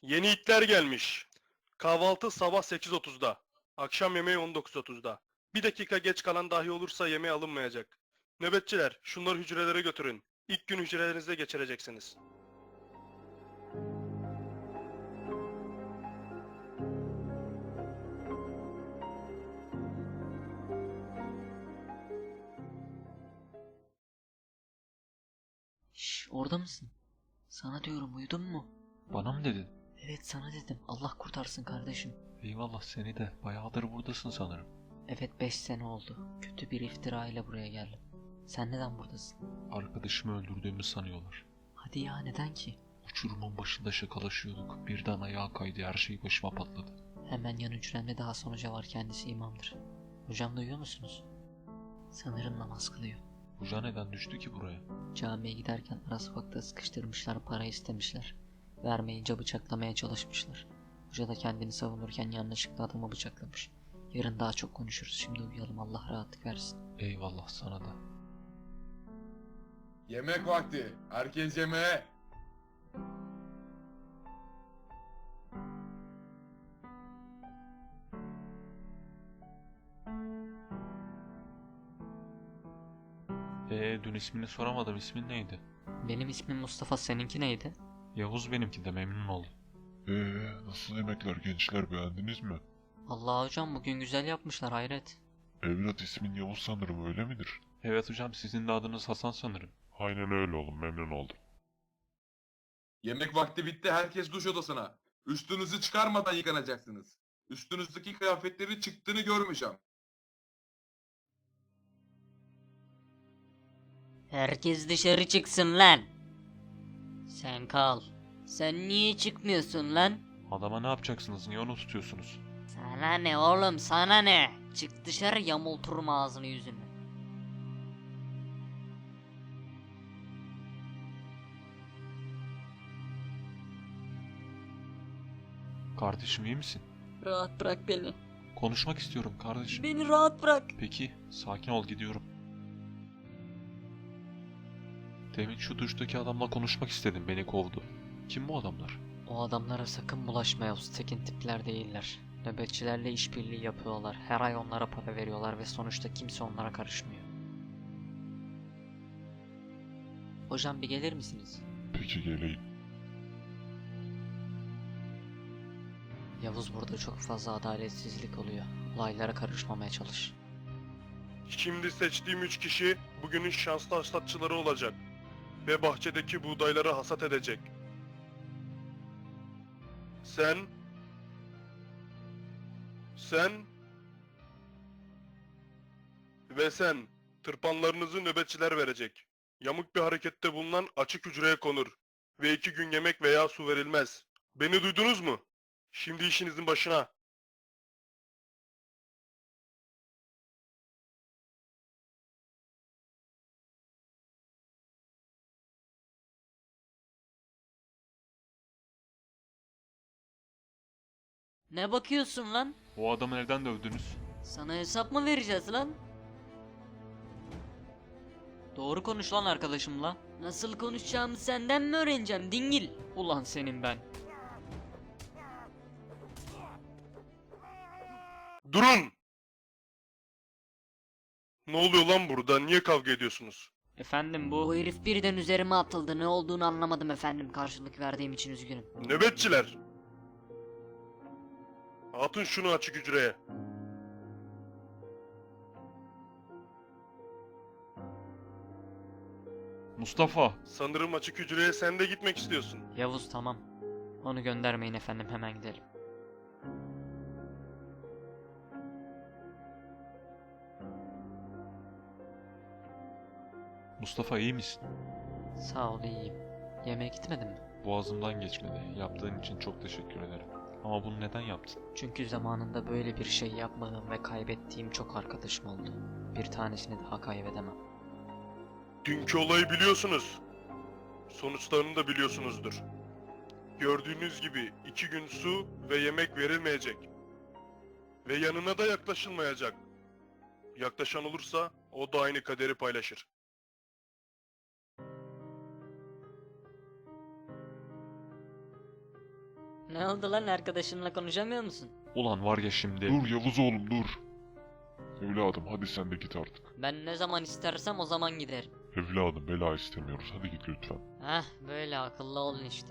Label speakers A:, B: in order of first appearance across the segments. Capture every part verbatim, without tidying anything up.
A: Yeni itler gelmiş. Kahvaltı sabah sekiz otuzda. Akşam yemeği on dokuz otuzda. Bir dakika geç kalan dahi olursa yemeğe alınmayacak. Nöbetçiler, şunları hücrelere götürün. İlk gün hücrelerinizde geçireceksiniz.
B: Şş, orada mısın? Sana diyorum, uyudun mu?
C: Bana mı dedin?
B: Evet, sana dedim. Allah kurtarsın kardeşim.
C: Eyvallah, seni de. Bayağıdır buradasın sanırım.
B: Evet, beş sene oldu. Kötü bir iftira ile buraya geldim. Sen neden buradasın?
C: Arkadaşımı öldürdüğümü sanıyorlar.
B: Hadi ya, neden ki?
C: Uçurumun başında şakalaşıyorduk. Birden ayağa kaydı, her şey başıma patladı.
B: Hemen yan hücremde daha sonuca var, kendisi imamdır. Hocam, duyuyor musunuz? Sanırım namaz kılıyor.
C: Hoca neden düştü ki buraya?
B: Camiye giderken ara sokakta sıkıştırmışlar, para istemişler. Vermeyince bıçaklamaya çalışmışlar. Hoca da kendini savunurken yanlışlıkla adamı bıçaklamış. Yarın daha çok konuşuruz, şimdi uyuyalım, Allah rahatlık versin.
C: Eyvallah sana da.
D: Yemek vakti. Herkes yemeğe.
C: Ee, dün ismini soramadım, ismin neydi?
B: Benim ismim Mustafa, seninki neydi?
C: Yavuz benimki de, memnun oldum.
E: Ee, nasıl yemekler gençler, beğendiniz mi?
B: Allah hocam, bugün güzel yapmışlar, hayret.
E: Evlat ismin Yavuz sanırım, öyle midir?
C: Evet hocam, sizin de adınız Hasan sanırım.
E: Aynen öyle oğlum, memnun oldum.
D: Yemek vakti bitti. Herkes duş odasına. Üstünüzü çıkarmadan yıkanacaksınız. Üstünüzdeki kıyafetleri çıktığını görmeyeceğim.
F: Herkes dışarı çıksın lan. Sen kal. Sen niye çıkmıyorsun lan?
C: Adama ne yapacaksınız, niye onu tutuyorsunuz?
F: Sana ne oğlum, sana ne? Çık dışarı, yamulturum ağzını yüzünü.
C: Kardeşim, iyi misin?
F: Rahat bırak beni.
C: Konuşmak istiyorum kardeşim.
F: Beni rahat bırak.
C: Peki, sakin ol, gidiyorum. Demin şu duştaki adamla konuşmak istedim, beni kovdu. Kim bu adamlar?
B: O adamlara sakın bulaşma Yavuz, tekin tipler değiller. Nöbetçilerle işbirliği yapıyorlar. Her ay onlara para veriyorlar ve sonuçta kimse onlara karışmıyor. Hocam, bir gelir misiniz?
E: Peki geleyim.
B: Yavuz, burada çok fazla adaletsizlik oluyor. Olaylara karışmamaya çalış.
A: Şimdi seçtiğim üç kişi bugünün şanslı hasatçıları olacak. Ve bahçedeki buğdayları hasat edecek. Sen... Sen... Ve sen, tırpanlarınızı nöbetçiler verecek. Yamuk bir harekette bulunan açık hücreye konur. Ve iki gün yemek veya su verilmez. Beni duydunuz mu? Şimdi işinizin başına.
F: Ne bakıyorsun lan?
C: O adamı neden dövdünüz?
F: Sana hesap mı vereceğiz lan?
B: Doğru konuş lan arkadaşımla.
F: Nasıl konuşacağımı senden mi öğreneceğim dingil?
B: Ulan senin ben.
A: Durun! Ne oluyor lan burada? Niye kavga ediyorsunuz?
B: Efendim,
F: Bu
B: bu...
F: herif birden üzerime atıldı. Ne olduğunu anlamadım efendim. Karşılık verdiğim için üzgünüm.
A: Nöbetçiler! Atın şunu açık hücreye.
C: Mustafa!
A: Sanırım açık hücreye sen de gitmek istiyorsun.
B: Yavuz, tamam. Onu göndermeyin efendim, hemen gidelim.
C: Mustafa, iyi misin?
B: Sağ ol, iyiyim. Yemeğe gitmedin mi?
C: Boğazımdan geçmedi. Yaptığın için çok teşekkür ederim. Ama bunu neden yaptın?
B: Çünkü zamanında böyle bir şey yapmadığım ve kaybettiğim çok arkadaşım oldu. Bir tanesini daha kaybedemem.
A: Dünkü olayı biliyorsunuz. Sonuçlarını da biliyorsunuzdur. Gördüğünüz gibi iki gün su ve yemek verilmeyecek. Ve yanına da yaklaşılmayacak. Yaklaşan olursa o da aynı kaderi paylaşır.
F: Ne oldu lan, arkadaşınla konuşamıyor musun?
C: Ulan var ya şimdi.
E: Dur Yavuz oğlum dur. Evladım hadi sen de git artık.
F: Ben ne zaman istersem o zaman giderim.
E: Evladım bela istemiyoruz hadi git lütfen.
F: Heh, böyle akıllı olun işte.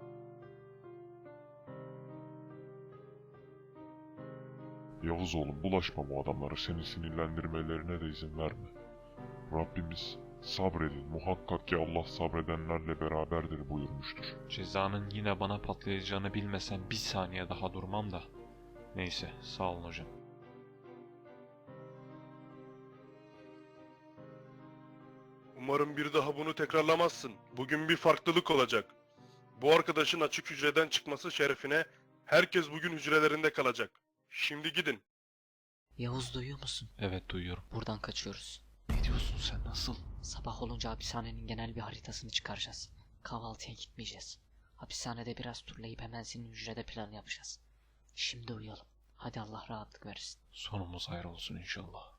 E: Yavuz oğlum bulaşma bu adamlara, seni sinirlendirmelerine de izin verme. Rabbimiz sabredin muhakkak ki Allah sabredenlerle beraberdir buyurmuştur.
C: Cezanın yine bana patlayacağını bilmesem bir saniye daha durmam da. Neyse sağ olun hocam.
A: Umarım bir daha bunu tekrarlamazsın. Bugün bir farklılık olacak. Bu arkadaşın açık hücreden çıkması şerefine herkes bugün hücrelerinde kalacak. Şimdi gidin.
B: Yavuz duyuyor musun?
C: Evet duyuyorum.
B: Buradan kaçıyoruz.
C: Ne diyorsun sen, nasıl?
B: Sabah olunca hapishanenin genel bir haritasını çıkaracağız. Kahvaltıya gitmeyeceğiz. Hapishanede biraz turlayıp hemen senin hücrede plan yapacağız. Şimdi uyuyalım. Hadi Allah rahatlık versin.
C: Sonumuz hayır olsun inşallah.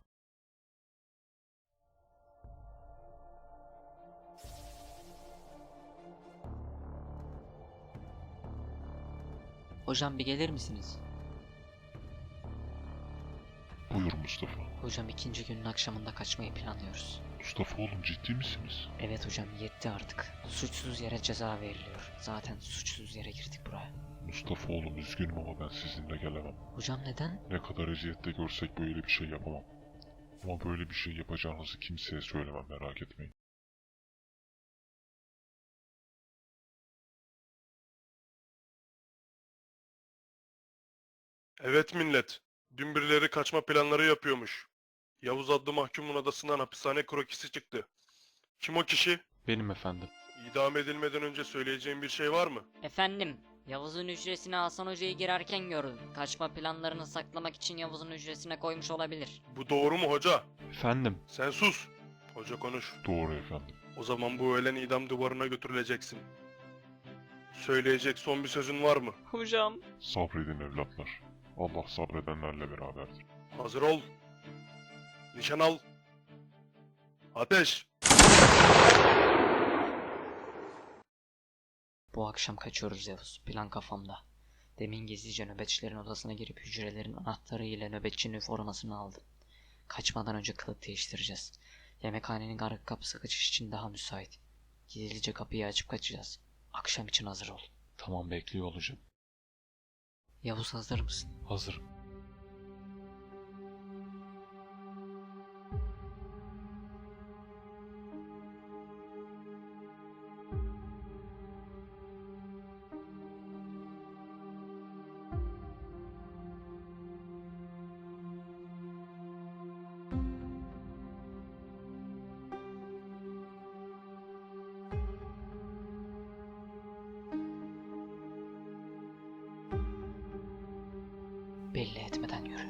B: Hocam bir gelir misiniz?
E: Buyur Mustafa.
B: Hocam ikinci günün akşamında kaçmayı planlıyoruz.
E: Mustafa oğlum ciddi misiniz?
B: Evet hocam yetti artık. Suçsuz yere ceza veriliyor. Zaten suçsuz yere girdik buraya.
E: Mustafa oğlum üzgünüm ama ben sizinle gelemem.
B: Hocam neden?
E: Ne kadar eziyette görsek böyle bir şey yapamam. Ama böyle bir şey yapacağınızı kimseye söylemem merak etmeyin.
A: Evet millet. Dün birileri kaçma planları yapıyormuş. Yavuz adlı mahkumun adasından hapishane krokisi çıktı. Kim o kişi?
C: Benim efendim.
A: İdam edilmeden önce söyleyeceğim bir şey var mı?
F: Efendim, Yavuz'un hücresine Hasan Hoca'yı girerken gördüm. Kaçma planlarını saklamak için Yavuz'un hücresine koymuş olabilir.
A: Bu doğru mu hoca?
C: Efendim.
A: Sen sus. Hoca konuş.
E: Doğru efendim.
A: O zaman bu öğlen idam duvarına götürüleceksin. Söyleyecek son bir sözün var mı?
F: Hocam.
E: Sabredin evlatlar. Allah sabredenlerle beraberdir.
A: Hazır ol. Nişan al. Ateş.
B: Bu akşam kaçıyoruz Yavuz. Plan kafamda. Demin gizlice nöbetçilerin odasına girip hücrelerin anahtarı ile nöbetçinin formasını aldım. Kaçmadan önce kılık değiştireceğiz. Yemekhanenin arka kapısı kaçış için daha müsait. Gizlice kapıyı açıp kaçacağız. Akşam için hazır ol.
C: Tamam bekliyor olacağım.
B: Yavuz hazır mısın?
C: Hazırım.
B: Belli etmeden yürü.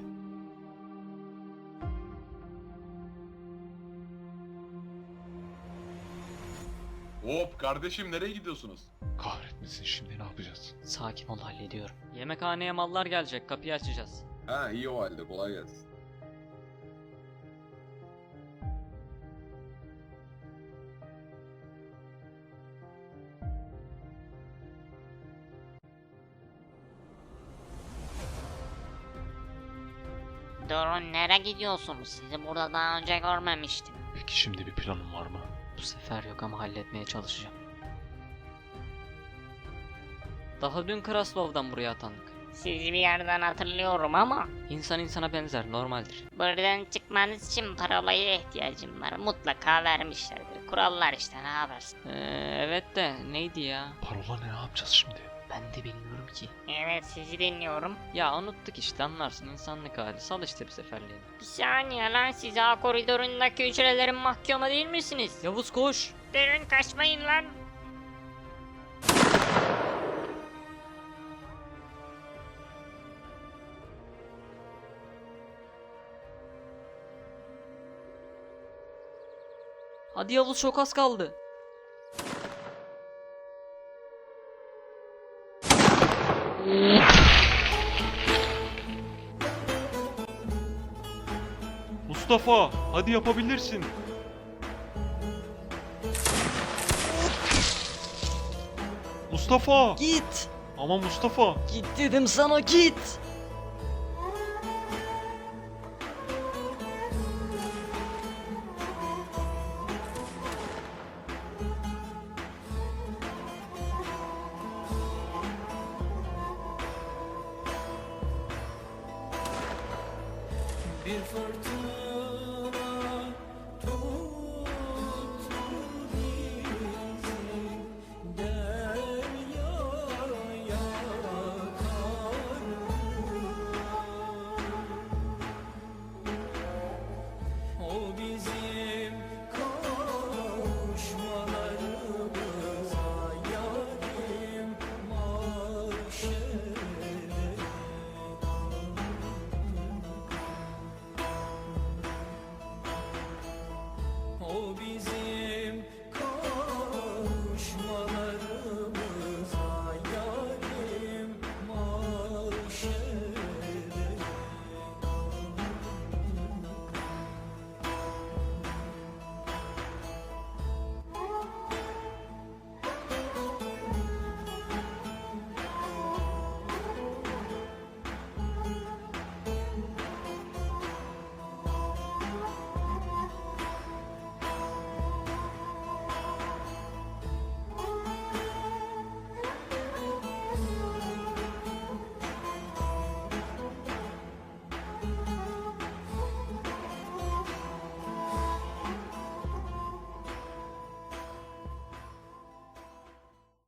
D: Hop kardeşim nereye gidiyorsunuz?
C: Kahretmesin, şimdi ne yapacağız?
B: Sakin ol, hallediyorum.
F: Yemekhaneye mallar gelecek, kapıyı açacağız.
D: Ha iyi o halde kolay gelsin.
G: Durun, nereye gidiyorsunuz? Sizi burada daha önce görmemiştim.
C: Peki şimdi bir planın var mı?
B: Bu sefer yok ama halletmeye çalışacağım.
F: Daha dün Kraslov'dan buraya atandık.
G: Sizi bir yerden hatırlıyorum ama
F: İnsan insana benzer, normaldir.
G: buradan çıkmanız için parolaya ihtiyacım var. Mutlaka vermişlerdir. Kurallar işte, ne yaparsın?
F: Ee, evet de neydi ya?
C: Parola ne, ne yapacağız şimdi?
B: Ben de bilmiyorum ki.
G: Evet, sizi dinliyorum.
F: Ya unuttuk işte, anlarsın, insanlık hali. Sal işte bir seferliğine.
G: Bir saniye lan, siz A koridorundaki hücrelerin mahkumu değil misiniz?
F: Yavuz koş!
G: Durun, kaçmayın lan.
F: Hadi Yavuz, çok az kaldı.
C: Mustafa, hadi yapabilirsin. Mustafa!
F: Git!
C: Ama Mustafa.
B: Git dedim sana, git.
H: Bir fırtına